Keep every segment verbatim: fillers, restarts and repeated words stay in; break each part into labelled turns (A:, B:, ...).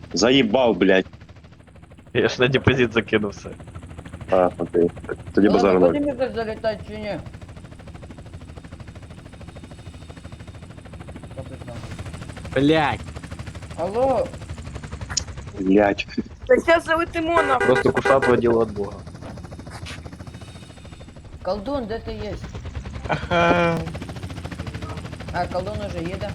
A: Заїбав, блядь.
B: Я ж на депозит закинувся.
A: А, окей. Тоді базар
C: Ладно,
A: ноль.
C: будем как залетать чи не? Капитан.
D: Блять.
C: Алло,
A: Блядь.
E: Та сейчас залетимо нахуй.
B: Просто кусат водила от бога.
C: колдун, де ти є?
F: Ага.
C: А, колдун уже їде.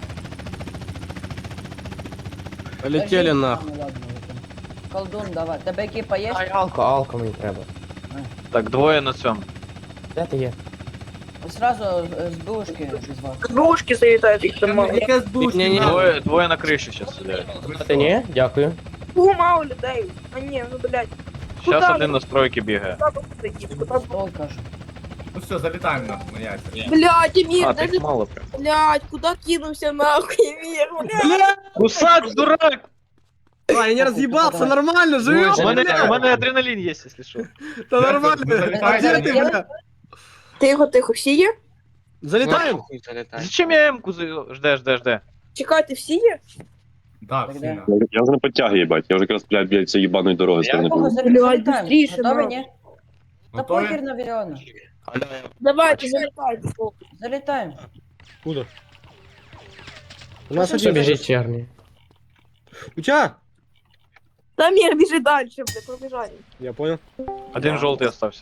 D: Полетели
C: Подожди.
D: нахуй.
C: Ну, ладно, летим. Колдун, давай. Тебе екіпа є?
G: Ай, алко, алко мені треба.
B: Так, двоє на цьому.
G: Де ти є?
C: Сразу е, з бушки без вас.
E: Двушки залітають, їх там мало.
D: Яка з душі?
G: Ні-ні.
B: Двоє, двоє на криші зараз сидять.
G: А ти ні? Дякую.
E: Фу, мало людей. А ні, ну блядь.
B: Зараз
E: Куда
B: один
E: ви?
B: на стройки бігає.
E: Куда ви такі? Куда ви?
C: Стол кажу.
F: Ну все, залетаем нахуй на яйца.
E: Блядь, Емір,
B: А,
E: даже...
B: так мало прям.
E: Блядь, куда кинулся нахуй, Емір, блядь.
D: Бля!
B: Кусак, дурак!
D: А, я не разъебался, нормально, живем,
B: У мене, у
D: блядь.
B: мене адреналін є, якщо що.
D: Да нормально. А где ты, бля?
E: Тихо, тихо, всі є?
D: Залетаем?
B: Зачем я М-ку за- жде, жде, жде?
E: Чекайте, всі є?
F: Да,
C: Тогда.
F: сильно.
A: Я вже на підтяги, їбать. Я вже якраз, блядь, блядь, цієї їбаної дороги сторони
C: Кого
A: був.
C: залітаємо?
E: Блядь, быстріше,
C: Готові,
E: нахуй.
C: ні? Та
F: Готові?
C: похер на Віріона.
E: Давайте, залітайте.
C: Залітаємо.
D: Куда? У нас
C: Що
G: Що
D: один
G: біжить черний?
D: У тебя?
E: Та Емір, біжи далі, блядь, пробіжали.
D: Я понял.
B: Один жовтий остався.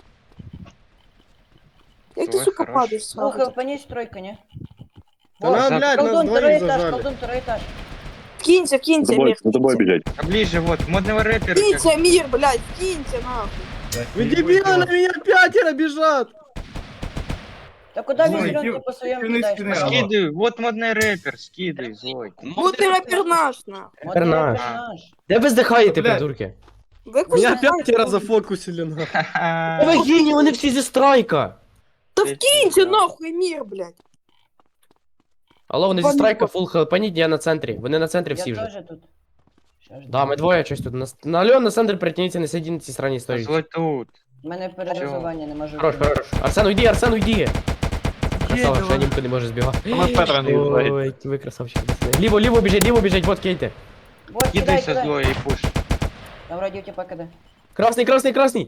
E: Як ти, сука, падаєш
C: Ну,
E: сразу?
C: понись тройка, ні?
D: Да нам, блядь, нас
C: колдун, второй
D: двоих
C: этаж,
D: зажали.
C: колдун, второй этаж.
E: Кинься,
A: За
E: кинься,
A: тобою,
E: Емір.
A: за тобою біжать.
H: А ближе, вот, модного рэпера.
E: Кинься, Емір, блядь, кинься, нахуй.
D: Вы дебилы, на меня пятеро бежат!
C: Та куди
F: Ой,
C: він зеленки
F: ки-
C: по своєму
F: кини
C: кидаєш?
F: спини.
H: Скидывай, вот модный рэпер, скидывай, злой.
E: Вот ти рапер наш, нахуй.
C: От
G: Тепер
C: я
G: наш.
C: наш.
G: Де ви здихаєте,
F: Блядь.
G: придурки?
E: Ви
D: Меня
E: куди?
D: пятеро зафокусили, нахуй.
G: Та ви гені, вони всі зі страйка!
E: Та вкинься, нахуй, Емір, блядь.
G: Алло, вони зі страйка, фул хелп, я на центрі. Вони на центрі всі
C: Я
G: вже.
C: теж тут. Що ж,
G: Да, ми двоє щось тут. На, на Альон, на центр притягніться, не сидіть на цій странній історії.
H: Злой тут.
C: У мене перерисування не можу.
G: Хорош, хорош. Арсен, уйди, Арсен, уйди! Красава, ще німко не може збігати.
B: А ми Петра не відвагіть.
G: Ой, ви красавчики. Ліво, ліво біжить, ліво біжить, вот кейте.
C: Вот, кидай,
H: Кидайся,
C: кидай.
H: злой, и пуш.
C: Там вроде у тебя КД.
G: Красний, красний, красний!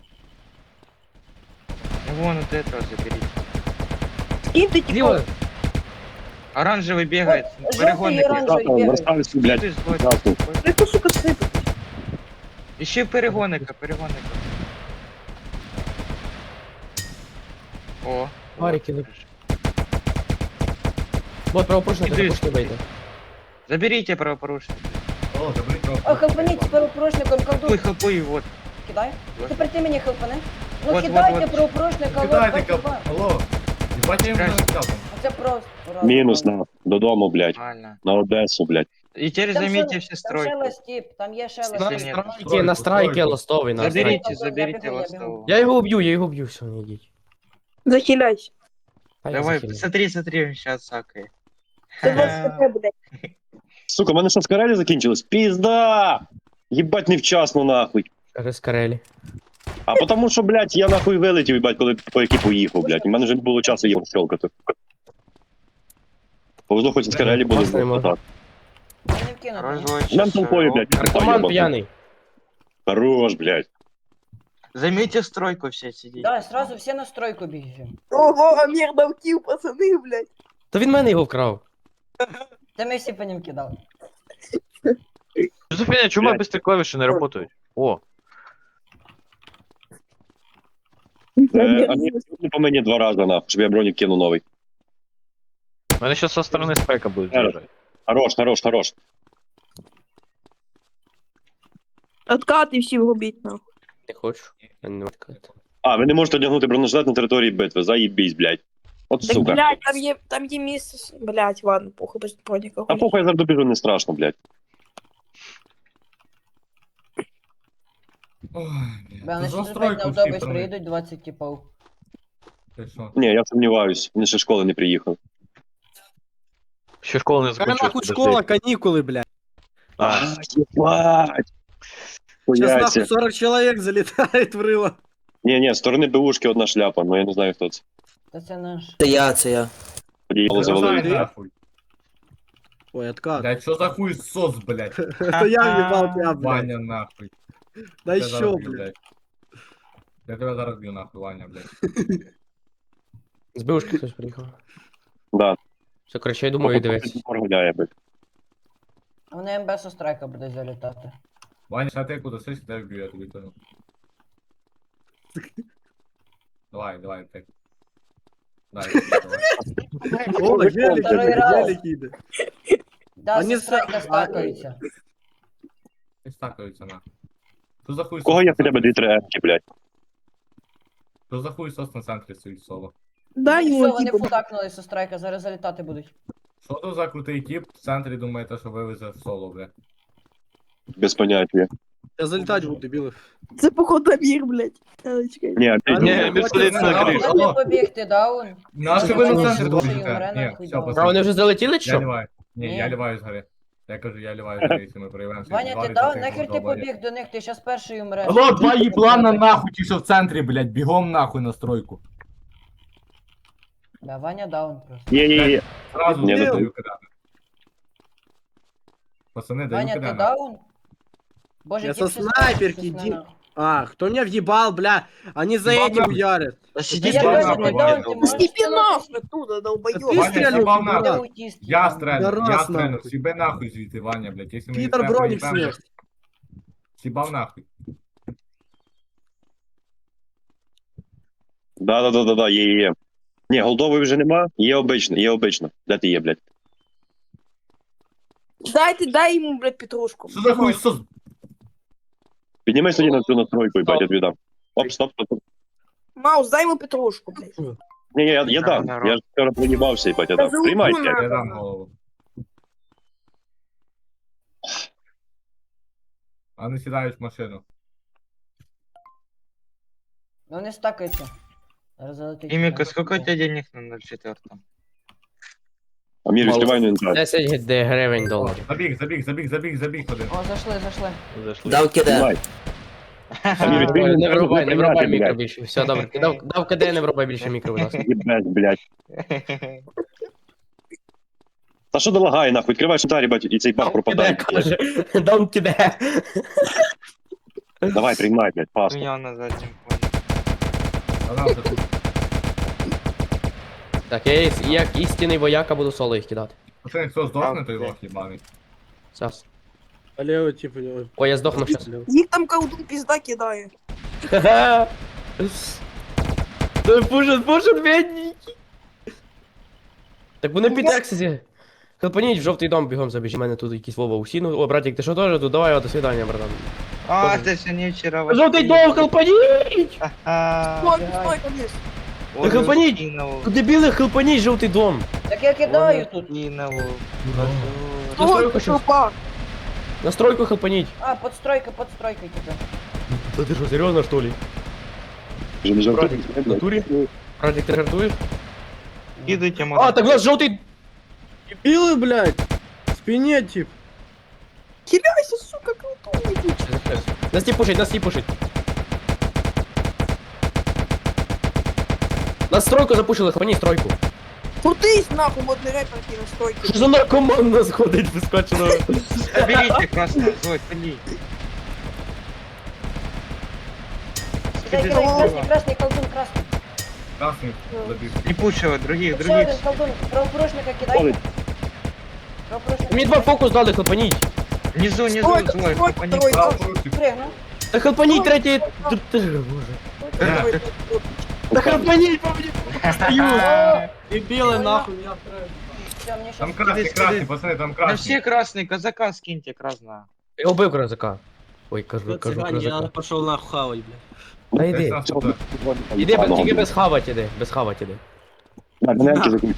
H: Вон вот этого заберите.
E: Киньте,
G: Ліво!
E: типа.
H: Оранжевый бегает,
C: Желтый
H: перегонный.
C: и оранжевый
A: Красного,
C: бегает.
A: розставився, блядь.
H: Ты злой.
A: Красний.
E: Ви хто, сука, сипи?
H: Ищи перегонника, перегонника. О.
G: Марики,
H: вот.
G: Вот правопорушник,
H: Іди.
G: запушки вийде.
H: Заберите правопорушника.
F: О, забери трохи.
C: О, хелпаніть з перепрошником
H: Хапуй,
C: колдун.
H: хапуй, вот.
C: Кидай. Тепер ти мені хелпани. Ну
H: Вот,
C: кидайте
H: вот, вот.
C: перепрошника,
F: Кидайте,
C: вот,
F: кап...
C: бать,
F: Алло. Ебать, я ему
H: Краще.
F: залетел там.
C: Це просто. раз,
A: Мінус
C: два.
A: на додому, блядь.
H: Нормально.
A: На Одесу, блядь.
H: И теперь
C: Там
H: займите
C: ще-
H: все
C: Там ще
H: стройки.
C: ластіп, там є ще
H: Если
G: На
C: ластіп.
H: нет.
G: страйки, на страйки ластовий, на страйки.
H: Заберите,
C: Я
H: заберите
C: бегу, я бегу.
H: ластового.
G: Я його уб'ю, я його уб'ю, все, не йдіть.
E: Захиляйся.
G: А я
H: Давай,
G: захилю.
H: смотри, смотри, сейчас сакай.
E: Це двадцять хп, блядь.
A: Сука, в мене що, скарелі закінчилось? Пізда! Їбать невчасно, нахуй.
G: Кажи скарелі.
A: А потому що, блядь, я нахуй вилетів, їбать, коли по якій поїхав, блядь. У мене вже не було часу їх щелкати. Повезло, хоч і скарелі були.
G: Класно йому.
A: Так.
C: Я не вкину.
H: Второй
C: ні.
H: злой.
A: Нам
H: щас,
A: толпою,
H: э,
A: блядь.
G: Наркоман п'яний.
A: Хорош, блядь.
H: Займите стройку все, сидите.
C: Давай, сразу всі на стройку біжимо.
E: Ого, Емір дав кіл, пацани, блядь.
G: То він мене його вкрав.
C: Та ми всі по ним кидали.
B: Жозефіня, чому
A: Блядь.
B: быстрі клавіші не працюють? О,
A: Е, а ні, не по мені два рази, нахуй, щоб я бронік кинув новий.
B: в мене зараз со сторони спека будуть
A: Зараз.
B: з'їжджати.
A: Хорош, хорош, хорош.
E: Откати всі вгубіть, нахуй.
G: Не хочу. Я не відкрити.
A: А, ви не можете одягнути бронежилет на території битви, заїбісь, блядь. От
E: Так,
A: сука.
E: блядь, там є, там є місце, блядь, ладно, похуй, без броніка.
A: А похуй, я зараз добіжу, не страшно, блядь.
F: Ой,
C: Бля,
F: блядь.
C: вони
F: За
C: ще опять
F: стройку
C: на
F: всі
C: автобус
F: проник.
C: приїдуть двадцять типів.
F: Ти що?
A: Ні, я сумніваюсь, він ще з школи не приїхав.
B: Ще школа не
D: Какая
B: закінчилась.
D: нахуй
B: подожди.
D: школа, каникулы, блядь.
B: А,
A: Єбать!
D: Сейчас нахуй
A: Хуяся.
D: сорок человек залетает в рыло.
A: Ні, ні, з сторони БУшки одна шляпа, ну я не знаю, хто це.
C: Та це наш.
I: Це я, це я.
A: Тоді його
D: Це
A: завалили.
D: знаю.
F: Нахуй.
D: Ой, откат.
F: Блядь, что за хуй сос, блядь?
D: Это я въебал тебя, блядь.
F: Ваня, нахуй.
D: Да
F: Я тебя
D: еще,
F: зараз б'ю,
D: блядь.
F: Я тебя зараз б'ю, нахуй, Ваня, блядь.
G: З бивушки хтось приїхав.
A: Да.
G: Все, коротше, я думаю, дивись.
A: Гуляє, блядь.
C: Вони МБ со страйка буде залітати.
F: Ваня, сейчас ты куда сесть, дай вбью, я тебе понял. Давай, давай, так. Дай, давай.
D: О, велик,
C: Второй раз.
D: велик іде.
C: Да,
D: Вони
C: со страйка
D: с-
C: стакаються.
F: Не стакаются, нахуй. Что за хуй
A: У кого
F: сос
A: є
F: на
A: хоча б
F: центрі?
A: дві-три емки, блядь?
F: Что за хуй сос на центрі стоїть соло?
E: Дай
C: Все,
E: йому
C: вони
E: типу.
C: футакнули со страйка, зараз залітати будуть.
F: Що то за крутий тип в центрі думає, те, що вивезе соло, бля?
A: Без поняття.
D: Я залітати буду, дебіли.
E: Це походу Амір, блядь. А, чекай.
A: Ні, ти
D: Ні,
A: ні,
B: без поліції на криш.
C: Можна не побігти, даун?
F: Наші ви на
C: Ні,
F: центр
C: ні,
F: побіжите?
C: ні,
F: Ні,
C: нахуй,
F: все,
C: давай.
G: А
F: пацани.
G: вони вже залетіли, чи
F: Я
G: що?
F: ліваю. Ні,
C: Ні.
F: я ліваю згори. Я кажу, я ліваю згори, якщо ми проявимося.
C: Ваня, ти даун? Нахер ти побіг до них, ти щас перший умреш.
F: Алло, два їблана нахуй, ті, що в центрі, блядь, бігом нахуй на стройку.
C: Да, Ваня даун просто.
A: Є, є, є.
F: Сразу
A: Ні,
F: не
A: не
F: даю кидати. Пацани, даю
C: Ваня, ти
F: кидати.
C: даун? Боже,
D: Я
C: тип
D: со
C: шестнадцать,
D: снайперки,
C: шестнадцать.
D: иди. А, кто меня въебал, бля? Они за
F: Ебал
D: этим
F: нахуй.
D: уярят.
H: Да
C: Да
H: сиди
C: я
F: Ебал
C: говорю,
F: нахуй,
C: ты
F: Ваня,
C: даун, ты
F: долбоёб.
C: можешь
E: Степи
C: становиться-
E: нахуй оттуда,
D: Ты
E: долбоёб.
F: Ваня,
D: стрельнул,
F: съебал
C: Ты
F: нахуй.
D: пидорас.
C: аутист,
F: Я
C: ебаный.
F: стрельну,
D: Да
F: я
D: раз
F: стрельну.
D: нахуй.
F: Сібе нахуй звідти, Ваня, блядь. Якщо ми
D: Питер
F: не
D: броник
F: проїбемо,
D: снес.
F: Сібав нахуй.
A: Да, да, да, да, да, є, є, є. Ні, голдової вже нема, є обично, є обично. Де ти є, блядь?
E: Дайте, дай йому, блядь, петрушку.
F: Що за хуй сос?
A: Піднімись тоді на цю настройку, їбать, я тобі дам. Оп, стоп, стоп, стоп.
E: Маус, дай йому петрушку, блядь.
A: Ні, ні, я, я дам. Я ж вчора проїбався, їбать, я дам. Приймайте.
F: Я дам голову. А не сідають в машину.
C: Ну, вони стакаються. Зараз залетить.
H: Имика, сколько у тебя денег на ноль четыре?
A: Амір, відкривай інвентар.
G: десять гривень доларів.
F: Забіг, забіг, забіг, забіг, забіг один.
C: О, зайшли, зайшли.
B: Зайшли.
I: Дав киде.
A: Давай. Амір, відкрий
G: Не
A: інвентар,
G: врубай, не врубай
A: блядь.
G: мікро більше. Все, добре. Дав, дав КД, не врубай більше мікро, будь ласка.
A: Їбать, блядь. Та що долагає, нахуй? Відкривай інвентар, їбать, і цей баг пропадає.
G: каже. Дам киде.
A: Давай, приймай, блядь, пас.
H: Меня на заднем фоне.
F: А нам це тут.
G: Так, я із- як істинний вояка буду соло їх кидати.
F: Пацани, хто здохне, той лох їбаний.
G: Зараз.
D: А левый типа... ой,
G: Ой, я здохну щас.
D: левый.
E: Їх там колдун пізда кидає.
G: Ха-ха. Той пушит, пушит, бідненький. Так вони під ексесі. Хелпаніть в жовтий дом бігом забіж. У мене тут якийсь Вова усіну. О, братик, ти що теж тут? Давай, о, до свидання, братан.
H: А,
G: Тоже.
H: это все не вчера.
G: Жовтий дом, хелпаніть!
H: А,
E: Стой, стой, конечно.
G: Да хелпаніть! Ну, дебіли, хелпаніть жовтий дом.
C: Так я кидаю тут.
H: Кинул.
G: Настройку
E: Стой,
G: щас.
E: опа.
G: Настройку хелпаніть.
C: А, подстройка, подстройка типа.
G: Да ты что, серьезно, что ли?
A: Вже не жовтий.
G: В натурі? Братик, ты жартуешь?
H: Кидайте,
G: А, так у нас жовтий...
D: Дебилы, блядь. В спине тип.
E: Хиляйся, сука, колдун.
G: Нас не пушить, нас не пушить. Нас стройку запушили, хлопани стройку.
E: Крутись, нахуй, модний репер на стойки.
G: Що за наркоман у нас ходить вискочено?
H: Заберите красный, Зой, пали.
C: Кидай, кидай, красный, красный, колдун, красный.
F: Красний забіг.
H: Не пушила, других,
C: Ще
H: других.
C: один колдун, правопорушника кидай.
A: Ходить.
C: Правопорушника.
G: Мені два фокус дали, хлопаніть.
H: Внизу, внизу,
E: Стой,
H: Зой,
E: стой,
H: попади.
E: стой.
F: Право порушив.
C: Пригну.
G: Та хлопаніть третій... Т- Ти ж, боже. Та хлопаніть, по мені стою.
D: Дебилы,
C: Ой,
D: нахуй.
C: Все, мне
F: Там
C: сейчас...
F: красний,
H: Сюди,
F: красний,
H: сюди.
F: пацани, там
H: На
F: красний.
H: все красные, казака скиньте красного.
G: Я убив козака. Ой, кажу, кажу, козака.
D: пошел нахуй хавать, блядь.
G: Та
F: Десь
G: йди.
F: нас туди.
G: Іди, без- тільки без хавать іди, без хавать іди.
A: Так, мене емки закінчили.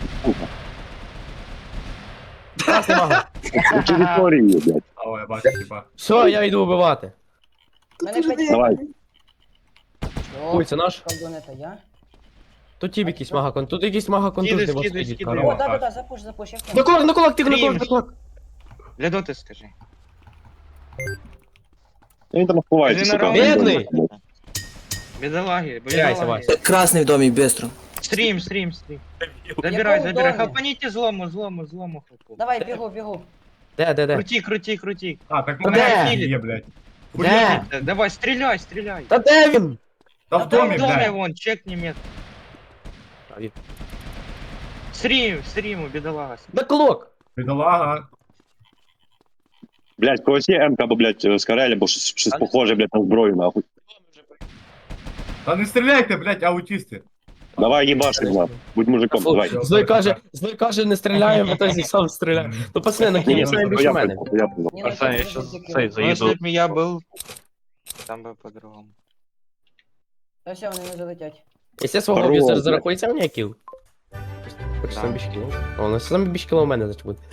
G: Красний мага.
A: Території є, блядь.
F: А, о, я бачу, типа.
G: Все, я йду вбивати.
C: Мене п'ять...
A: Давай.
G: Ой, це наш.
C: Колдун, это я.
G: Тут тіп якийсь мага кон. Тут якийсь мага контужний
H: Скидай,
G: вас
H: скидай,
G: сидить.
H: скидай.
C: О,
G: корова.
C: да-да-да, запуш, запуш, я в
G: На
C: тему.
G: кулак, на кулак, ти на кулак, на кулак.
H: Для доты скажи.
A: Він там ховається,
H: Скажи
A: сука.
H: на
G: Бідний.
H: Бедолаги,
G: Теряйся,
H: бедолаги.
G: Вася.
I: Красний в домі, бистро.
H: Стрім, стрім, стрім. Забирай,
C: Якому
H: забирай.
C: домі?
H: Хапаніть злому, злому, злому хапу.
C: Давай, бігу, бігу.
G: Де, де, де?
H: Крути, крути, крути.
F: А, так
G: Де?
F: мене є, блядь.
G: Де?
H: Э, Давай, стреляй, стреляй.
G: Та де він?
F: Та в домі,
H: В доме
F: блядь.
H: вон, чекни мет.
G: А, він-
H: Стрим, стриму, бедолага.
G: Беклок!
F: Бідолага.
A: Блядь, когось є М-ка, або, блядь, з Карелі, або щось, щось похоже, блядь, на зброю, нахуй.
F: Та не стріляйте, блядь, аутісти.
A: Давай їбаши, нахуй. Будь мужиком, давай.
G: Злой каже, злой каже, не стріляємо, а то зі сам стріляє. Ну, пацани, на кінець
A: Ні,
G: не більше
A: я
G: мене.
A: понял, я понял.
C: Ні, ну,
B: Арсен, я
C: це
B: щас
C: тільки-
B: цей
H: Ну,
B: заїду.
H: если бы я был, там бы по-другому.
C: Та все, вони вже летять.
G: Якщо свого
A: Здорово,
G: офісера
A: блядь.
G: зарахується мені кіл? Хочеш
H: Да.
G: сам більше кіл? О, у нас сам більше кіл у мене, значить буде.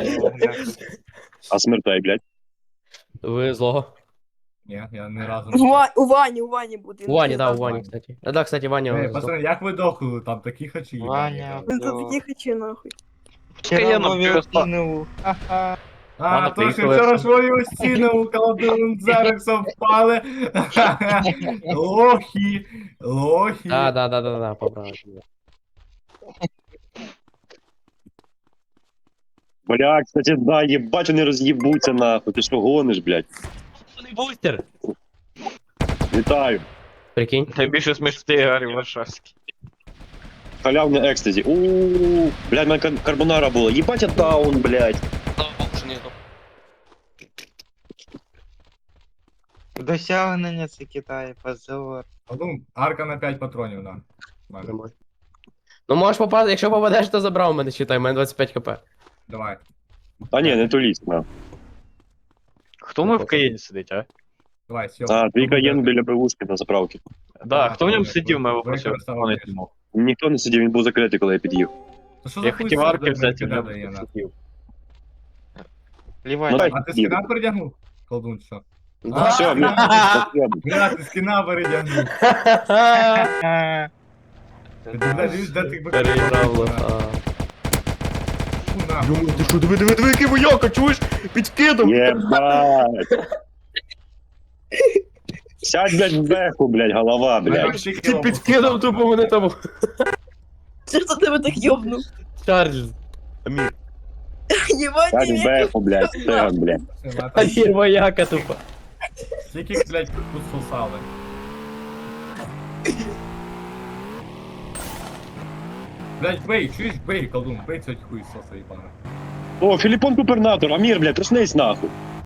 A: А смертай, блядь.
G: Ви злого.
F: Ні, я не разу
E: У
F: не...
E: Ва- у Вані, у Вані буде.
G: У Вані, да, у
E: Він
G: Вані, кстати. А, да, кстати, Ваня.
F: Ей,
G: здох.
F: пацани, як ви дохли там, такі хачі?
H: Ваня,
E: тут такі хочу, нахуй.
B: Пускай я нам
H: Вове
B: через па-
H: кинул. Ха-ха.
F: А,
B: Ладно,
F: то що
B: поїхали.
F: вчора свою стіну у колдун Зерексом впали. Лохи, лохи.
G: Да, да, да, да, да, поправив.
A: Бля, кстати, да, єбать, вони роз'їбуться, нахуй. Ти що гониш, блядь?
G: Бустер!
A: Вітаю.
G: Прикинь.
B: Найбільше смішний Гаррі Варшавський.
A: Халявне екстазі. Ууу, блядь, мене кар- карбонара було. Єбать, я даун, блядь.
H: Досягнення це Китай, позор.
F: Колдун, арка на п'ять патронів, на. Мене.
G: Нормально. Ну можеш попасти, якщо попадеш, то забрав у мене, считай, у мене двадцять п'ять хп.
F: Давай.
A: Та ні, не тулісь, на.
B: Хто ми в Каєні сидить, а?
F: Давай, сьо.
A: А, твій каєн біля пивушки на заправці.
B: Да, хто в ньому
F: ви-
B: сидів, ми
F: ви
B: вопросив.
F: використовували.
B: Хто не мог.
A: Ніхто не сидів, він був закритий, коли я під'їв.
F: То що за
B: Я
F: хуй
B: хотів
F: сюди,
B: арки
F: блядь,
B: взяти, в
F: кидає,
B: ньому
F: на?
B: сидів.
H: Лівай.
A: Ну, дай.
F: А ти скина передягнув? Колдун, що?
G: Да.
A: Все, блядь, спасибо.
F: Бля, ти скина передягнув.
H: Ха-ха.
F: Ти дивись, де ти
G: Переіграв лоха.
F: Фу, нахуй.
G: Йому, ти що, диви, диви, диви, який вояка, чуєш? Під скидом!
A: Єбать. Сядь, блядь, в беху, блядь, голова, блядь.
G: Ти під скидом тупо мене там.
E: Це хто тебе так йобнув?
G: Чарльз. Амір.
E: Єбать,
A: Сядь в
E: ні.
A: беху, блядь, стеган, блядь.
G: Амір вояка тупо.
F: Тільки, блядь, тут сосали. Блядь, бей, чуєш, бей, колдун, бей цього хуй соса, їбана.
A: О, Філіппон губернатор, Амір, блядь, проснись нахуй.